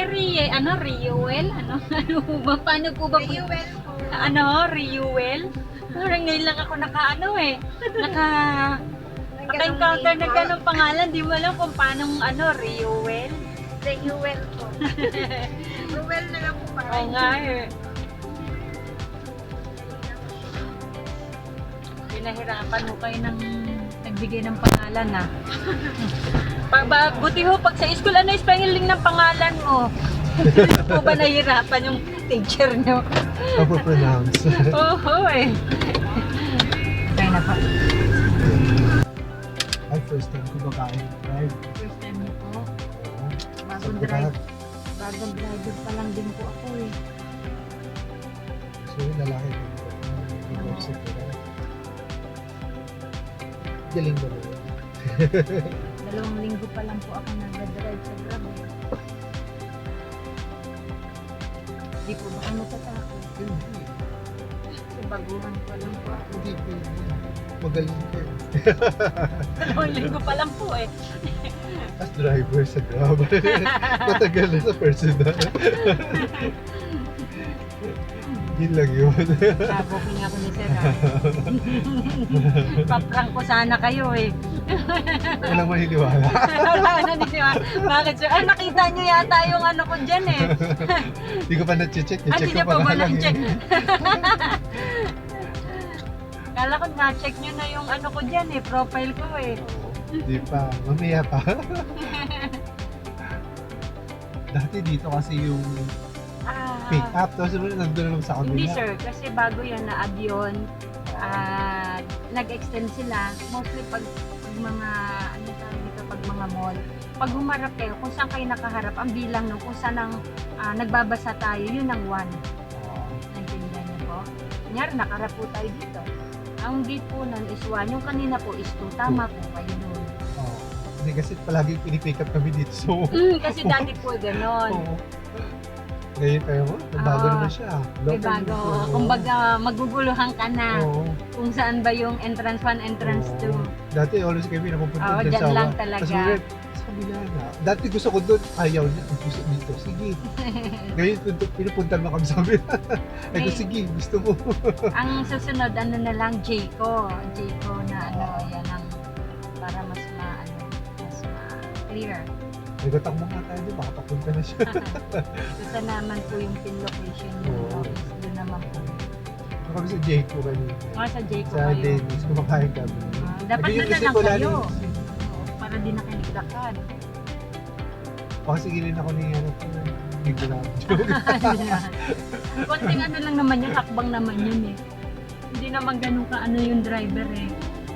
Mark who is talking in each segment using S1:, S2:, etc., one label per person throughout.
S1: Reuel? Ano ba? Paano po ba?
S2: Reuel po.
S1: Reuel? Parang ngayon lang ako naka-encounter na ganong pangalan. Di mo alam kung paano Reuel?
S2: Reuel po. Reuel na lang po pa.
S1: Oo nga eh. Pinahirapan mo kayo ng nagbigay ng pangalan ah. Buti ho, pag sa school, ano yung spelling ng pangalan mo? Hindi po ba nahirapan yung teacher nyo?
S3: Ako pronounce.
S1: Oo eh. Kaya na pa.
S3: Ay, first time ko babae drive.
S1: First time niyo po. Bagong
S3: Sabi
S1: drive.
S3: ka,
S1: Bagong driver pa lang din po ako eh.
S3: so yung lalaki ko. University ka. Galing ba naman?
S1: 2 linggo pa lang po ako nag-drive sa Grab eh. Di po ba kayo natatakot?
S3: Hindi.
S1: Kasi baguhan pa lang po ako.
S3: Hindi po. Magaling ka.
S1: 2 linggo pa lang po eh.
S3: As driver sa Grab. Matagal na sa personal. Yun lang yun.
S1: Sabokin ako ni Sir. Paprank ko sana kayo eh.
S3: Walang maniniwala.
S1: Wala na di ba? Bakit sir? Nakita nyo yata yung ano ko dyan eh.
S3: Hindi ko pa na-check.
S1: Hindi
S3: I-check
S1: niya
S3: ko
S1: pa
S3: pa
S1: ba
S3: lang
S1: na-check?
S3: eh.
S1: Kala ko na-check nyo na yung ano ko dyan eh, profile ko eh.
S3: Hindi pa. Mamaya pa. Dati dito kasi yung pick up. Tapos nandun lang sa kabila.
S1: Hindi sir, kasi bago yan na-add yun, nag-extend sila. Mostly pag mga, ano tawag dito, pag mga mall. Pag humarap kayo, kung saan kayo nakaharap, ang bilang nung kung saan ang nagbabasa tayo, yun ang 1. Naintindihan niyo po? Kunyari, nakaharap po tayo dito. Ang gate po nun is 1, yung kanina po is 2. Tama po kayo nun.
S3: Hindi kasi palagi pinipick up kami dito. So,
S1: Kasi dati po ganon.
S3: oo. Ngayon tayo mo, bago naman siya.
S1: May bago. Kumbaga, maguguluhan ka na
S3: Oo.
S1: kung saan ba yung entrance 1, entrance 2.
S3: Dati always kami napupunta
S1: Oo,
S3: dyan
S1: dyan
S3: sa
S1: lang
S3: Awa.
S1: talaga.
S3: Tapos ulit, sa kabila na. Dati gusto ko doon, ayaw niya. Gusto dito, sige. Ngayon, pinupunta naman kami sa kabila. Ay ko, sige, gusto mo.
S1: Ang susunod, ano na lang, Jayco. Jayco na ano, yan ang para mas clear.
S3: Nagtatakbo nga tayo doon, baka papunta na siya.
S1: Gusto naman po yung pin location yung
S3: Oo.
S1: office. Doon naman po.
S3: Kami sa Jayco kanina.
S1: Sa Jayco
S3: Sa
S1: kayo.
S3: Dennis, kumakain kami.
S1: Dapat
S3: Naging
S1: doon na
S3: isip
S1: lang
S3: ko lalo
S1: kayo.
S3: yung-
S1: Oo, para di na kayo naglakad.
S3: Pasigilin ako ni ni Grab.
S1: Konting ano lang naman yun, hakbang naman yun eh. Hindi naman ganun ka ano yung driver eh.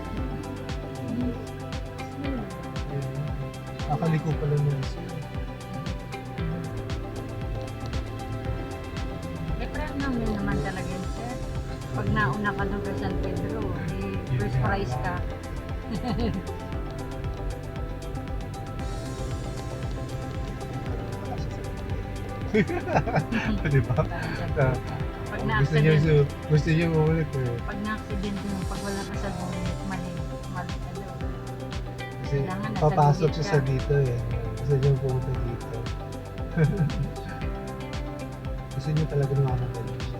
S3: Akaliko pala nung isa.
S1: Friend naman talaga yun, sir. Pag nauna ka ng San Pedro, first prize ka.
S3: Di ba?
S1: Pag
S3: Gusto niyo,
S1: na-accident,
S3: gusto niyo umulit eh.
S1: pag na-accident mo, pag wala ka sa gumit, mali ka daw.
S3: Kasi
S1: Kailangan nasa
S3: papasok
S1: gilid
S3: siya
S1: ka.
S3: sa dito eh. Gusto niyo pumunta dito. Gusto niyo talaga namamadali siya.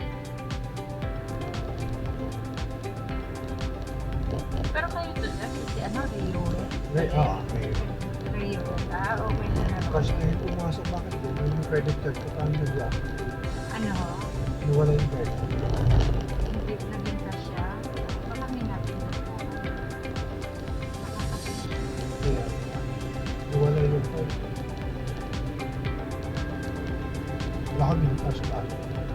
S1: Pero kayo to, sir, si ano, Rio.
S3: Right? Okay.
S1: Rio. Okay na naman.
S3: Kasi ngayon pumasok, bakit din? Yung credit card ko paano nag-lock?
S1: Ano,
S3: Nawala yung credit.
S1: hindi naging kasya. Baka may napindot po.
S3: Kaya, nawala yung card. Wala kami ng cash back.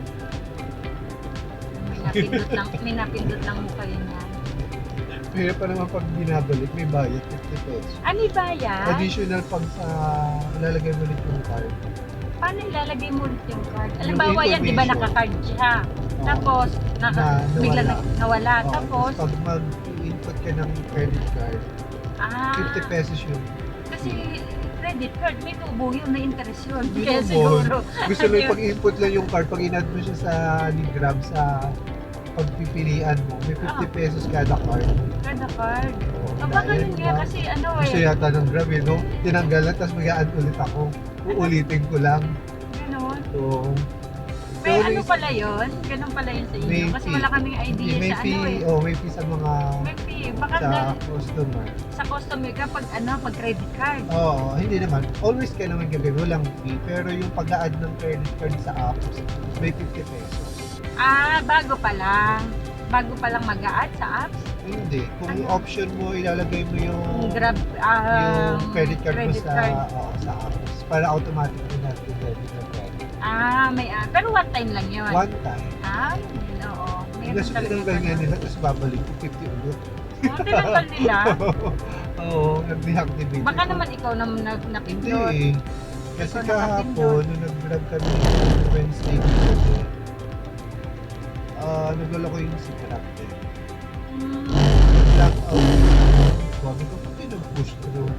S1: May napindot lang mo kayo niyan.
S3: Pero pa naman pag binabalik, may bayad 50 pesos.
S1: Ano ba yan?
S3: Additional pag sa lalagay mo ulit yung card.
S1: Paano ilalagay mo ulit yung card?
S3: Yung
S1: Alimbawa yan, di ba
S3: information.
S1: naka-card siya?
S3: Oo.
S1: Tapos, bigla nawala.
S3: Oo,
S1: Tapos,
S3: pag mag-input ka ng credit card, 50 pesos yun.
S1: kasi credit card, may tubo yun na interest yun.
S3: Hindi
S1: Kaya
S3: naman.
S1: siguro.
S3: Gusto mo yung pag-input lang yung card, pag in-add mo siya sa ni Grab sa pagpipilian mo, may 50 pesos kada card.
S1: Kada card.
S3: Oo,
S1: Baka
S3: dahil,
S1: ganun nga
S3: diba?
S1: kasi ano
S3: Gusto
S1: eh.
S3: yata ng Grab eh, no? Tinanggal lang, tapos mag-a-add ulit ako. uulitin ko lang.
S1: Ganon.
S3: So,
S1: May
S3: so,
S1: ano pala yun? Ganun pala yun sa inyo.
S3: May
S1: Kasi
S3: fee.
S1: wala kaming idea
S3: may
S1: sa
S3: fee,
S1: ano eh.
S3: may fee sa mga
S1: May fee. Baka
S3: sa
S1: dahil
S3: customer.
S1: sa customer ka pag ano, pag credit card.
S3: Oo, hindi naman. Always kailangan gagawin, walang fee. Pero yung pag-add ng credit card sa apps, may 50 pesos.
S1: Ah, bago pa lang. Bago pa lang mag-a-add sa apps.
S3: Hindi. Kung
S1: Ano?
S3: option mo, ilalagay mo yung
S1: Grab,
S3: yung credit card mo
S1: credit
S3: sa
S1: card.
S3: sa apps para automatic mo na debit na credit.
S1: May pero one time lang yun.
S3: One time.
S1: Yun, oo. Meron
S3: Kasi
S1: talaga
S3: tinanggal nga
S1: ganun.
S3: nila, tapos babalik ko 50 ulit.
S1: Tinanggal nila.
S3: Oo, nag-deactivate.
S1: Baka
S3: ko.
S1: naman ikaw na
S3: Hindi
S1: napindot.
S3: eh. Kasi
S1: Ikaw
S3: kahapon, nung nag-vlog kami ng Wednesday kasi, naglala ko yung si Karate.
S1: Hmm.
S3: Nag-black out. Sabi ko, pati nag-push through.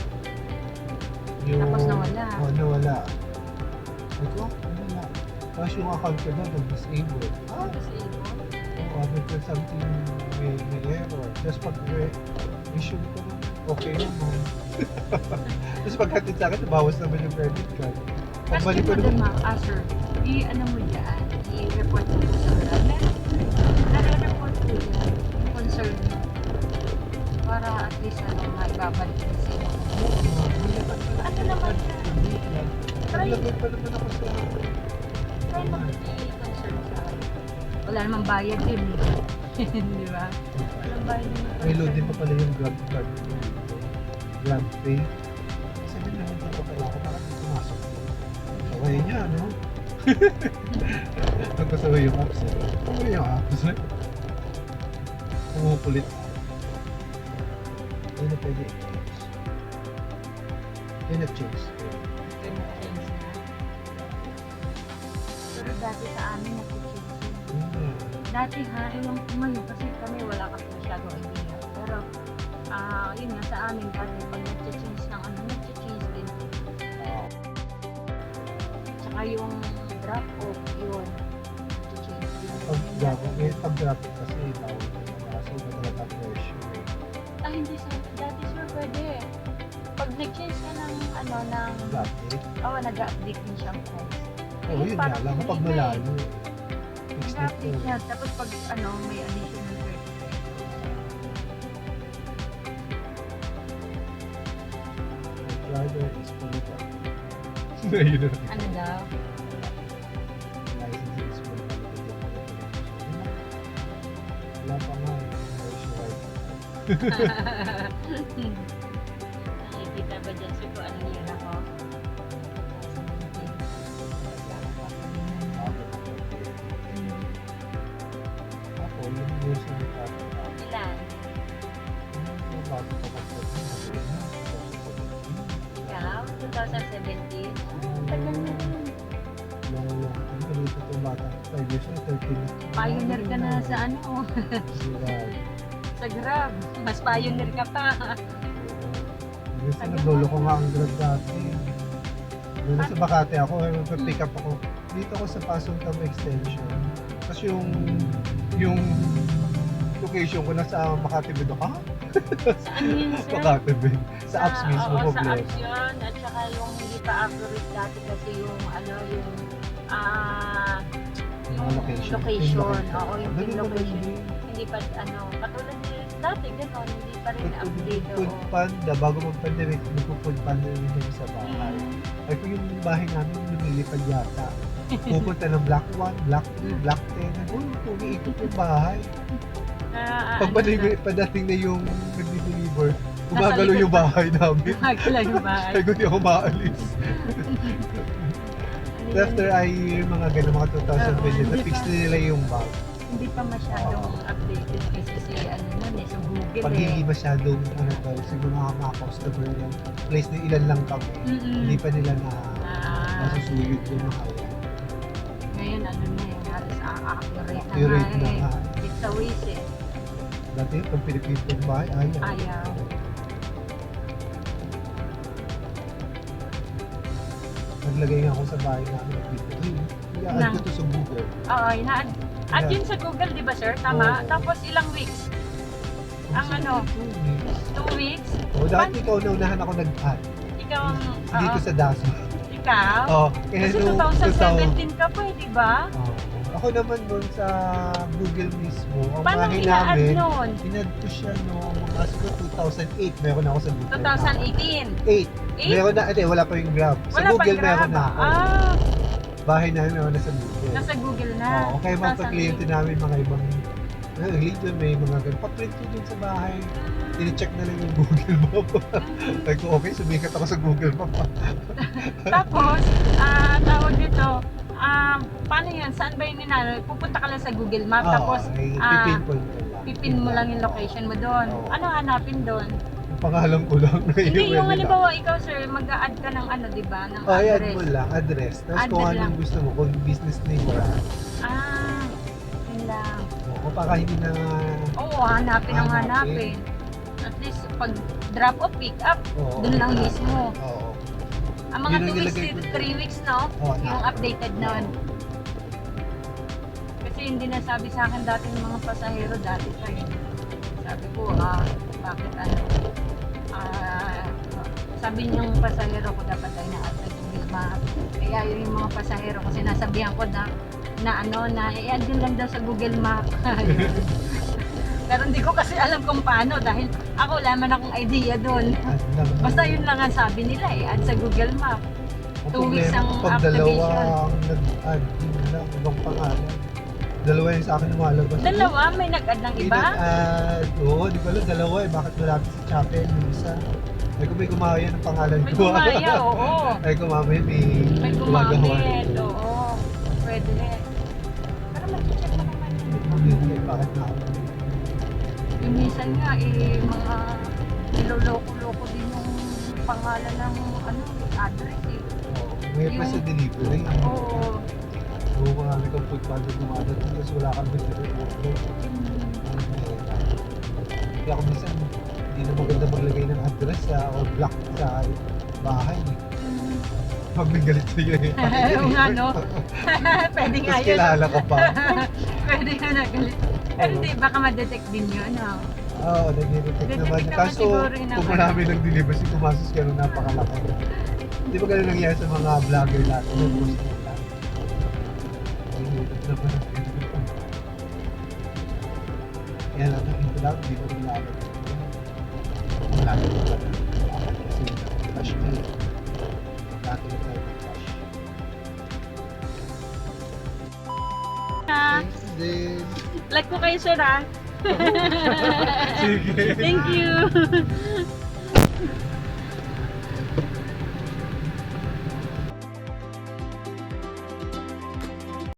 S1: Tapos nawala.
S3: Oo, nawala. Sabi ko, wala. Tapos yung account ko doon, nag-disable.
S1: Disable.
S3: Oo, because something may error. Tapos pag-issue ko naman, okay naman. Tapos pagkatid sa akin, nabawas naman yung credit card.
S1: Kasi
S3: Pagbalik ko
S1: mo dun
S3: naman,
S1: sir, ano mo dyan, i-report mo sa grab. Nare-report ko dyan, yung concern mo. Para at least maibabalik din sila. Ano naman yan?
S3: naglagay pa naman ako sa...
S1: Try mo i-concern sa wala namang bayad yun eh. Di ba? Walang bayad yun.
S3: May load din pa pala yung Grab card. Grab Pay. Sabi naman dito pala ako, bakit may pumasok? Sakay niya, no? Nagkasaway yung apps. Ano yung apps? Pumupulit. Hindi na pwede i-change. Hindi na change.
S1: Pero dati sa amin nag-change yun. Dati ha, yung ngayon kasi kami wala kasi masyadong idea. Pero, yun nga sa amin dati pag nag-change ng ano, nag-change din. Tsaka yung drop-off yun, nag-change din.
S3: Pag-grab kasi tawag ko na kasi talaga pressure.
S1: Hindi sir, dati sir pwede. Pag nag-change ka ng ano, ng,
S3: Dati.
S1: nag-update din siyang price.
S3: Oo, yun nga lang. Kapag malayo. Fixed na
S1: Nag-update
S3: to.
S1: siya, tapos pag ano, may additional 30
S3: Driver is fully done. Yun na.
S1: Ano daw?
S3: License is fully done. Wala pa nga eh. Version right.
S1: Nakikita ba dyan sir kung ano yun ako?
S3: Ako, yung version ng traffic.
S1: Ilan?
S3: Yung bago pa kapag
S1: Ikaw? 2017? Tagal na yun.
S3: Ano dito itong bata? 5 years na, 13 na.
S1: Pioneer ka na sa ano?
S3: Right.
S1: Sa Grab. Mas pioneer ka pa.
S3: Kasi naglolo ko nga ang Grab dati. Doon sa Makati ako, pick up ako. Dito ako sa Pasong Tam Extension. Tapos yung location ko nasa Makati Bedo. Ha?
S1: Saan yun sir?
S3: Makati Bedo. Sa apps mismo
S1: Oo,
S3: ko.
S1: sa apps yun. At saka yung hindi pa accurate dati kasi yung ano, yung
S3: Yung location.
S1: location. Oo, yung
S3: Ganun naman
S1: location.
S3: din.
S1: Hindi pa ano, katulad nila dati gano'n, hindi pa rin update.
S3: Food Panda, bago mag-pandemic, nagpo-food Panda rin kami sa bahay. Ay kung yung bahay namin, lumilipad yata. Pupunta ng Block 1, Block 3, Block 10. Umiikot yung bahay. Pag padating na yung nag-deliver, gumagalo yung bahay namin.
S1: Gumagala yung bahay.
S3: Ay, kung di ako maalis. After yung mga gano'n, mga 2020, na-fix na nila yung bag.
S1: Hindi pa masyadong updated kasi si ano nun eh, sa Google
S3: Pag
S1: eh.
S3: hindi masyadong, siguro mga customer lang, place na ilan lang kami, hindi pa nila na masusuyod yung mga kaya.
S1: Ngayon ano na yung halos accurate
S3: Accurate
S1: na
S3: na
S1: nga
S3: nga.
S1: eh. It's a waste eh.
S3: Dati, pag pinipintong bahay, ayaw.
S1: Ayaw.
S3: Naglagay nga ako sa bahay namin ng video. I-add ko to sa Google.
S1: Oo, at
S3: Yeah.
S1: yun sa Google, di ba sir? Tama?
S3: Oo.
S1: Tapos ilang weeks? Ang ano? 2 weeks?
S3: O, dati ikaw naunahan ako nag-add.
S1: Ikaw ang...
S3: Dito sa Daso.
S1: Ikaw?
S3: Oh, kaya
S1: Kasi
S3: nung
S1: 2017 ka pa eh, di ba?
S3: Oh. Ako naman nun sa Google mismo, ang
S1: Paano
S3: bahay
S1: ina-add
S3: namin,
S1: nun?
S3: inad ko siya noong mga siguro 2008, meron ako sa Google.
S1: 2018?
S3: 8.
S1: 8?
S3: Meron na, wala pa yung Grab. Sa
S1: Wala
S3: Google
S1: pang Grab.
S3: meron na ako.
S1: Ah,
S3: Bahay namin meron na sa Google.
S1: nasa Google na.
S3: Oo, kaya mga
S1: 2008.
S3: kliyente namin mga ibang religion, may mga ganun. Pa-print ko dun sa bahay. Tine-check na lang yung Google Map. Sabi ko, okay, sumikat ako sa Google Map.
S1: Tapos, tawag dito, paano yan? Saan ba yung ninalo? Pupunta ka lang sa Google Map, tapos
S3: pipinpoint ko lang.
S1: pipin mo lang yung location mo doon.
S3: Oo.
S1: Ano hanapin doon?
S3: Yung pangalan ko lang.
S1: Hindi, yung
S3: Wala.
S1: halimbawa ikaw sir, mag-a-add ka ng ano, di ba? Ng
S3: Oh, add
S1: address.
S3: mo lang, address. Tapos
S1: Add
S3: kung
S1: lang.
S3: anong gusto mo, kung business name or
S1: Yun lang.
S3: o para hindi na
S1: Oo, hanapin ang hanapin. At least, pag drop o pick up,
S3: oo,
S1: doon lang mismo.
S3: Oo.
S1: Ang mga
S3: Yun ang
S1: 2 weeks
S3: nilagay
S1: to
S3: ko.
S1: 3 weeks, no?
S3: Oo,
S1: Yung
S3: tama.
S1: updated nun. Kasi hindi nasabi sa akin dati ng mga pasahero dati pa eh. Sabi ko, bakit ano? Sabi niyong pasahero ko dapat ay na-add sa Google Map. Kaya yun yung mga pasahero ko sinasabihan ko na i-add din lang daw sa Google Map. Pero hindi ko kasi alam kung paano dahil ako wala man akong idea doon.
S3: Add lang.
S1: Basta yun lang ang sabi nila add sa Google Map.
S3: Ang
S1: 2 weeks
S3: problema,
S1: ang
S3: pag dalawa
S1: activation.
S3: ang nag-add, yun lang, ibang pangalan. Dalawa yung sa akin lumalabas.
S1: Dalawa, may nag-add ng iba?
S3: Oo, di ko alam, dalawa eh. Bakit malapit sa chapel yung isa? Ay kung may gumaya ng pangalan
S1: May
S3: ko.
S1: gumaya, oo.
S3: Ay kung mamaya
S1: May
S3: gumagawa.
S1: gumamit, oo. Pwede. Pero mag-check pa naman yun.
S3: Bakit na ako?
S1: Yung minsan nga, mga niloloko-loko din yung pangalan ng address eh.
S3: May pa sa delivery.
S1: Oo.
S3: Oo, marami kang food panda dumadat. Tapos wala kang delivery order. Kaya ako minsan, hindi na maganda maglagay ng address or block sa bahay. Pag may galit sa'yo eh.
S1: Oo nga, no? Pwede nga
S3: Tapos
S1: yun.
S3: kilala ka pa.
S1: Pwede nga na galit. Pero hindi, baka ma-detect din yun, no?
S3: Oo, nag-detect naman.
S1: Nag-detect naman
S3: Kaso,
S1: siguro yun
S3: kung
S1: naman.
S3: marami ng delivery, kumasos ka nung napakalaki. Di ba ganun nangyari sa mga vlogger natin? Yung post nila. Ay, YouTube naman ang ganun. Kaya lang, ito lang, hindi ko rin laban. Wala na ito lang. Kasi cash na yun. Dati na tayo ng cash. Thanks din.
S1: Like ko kayo, sir, ah.
S3: Sige.
S1: Thank you.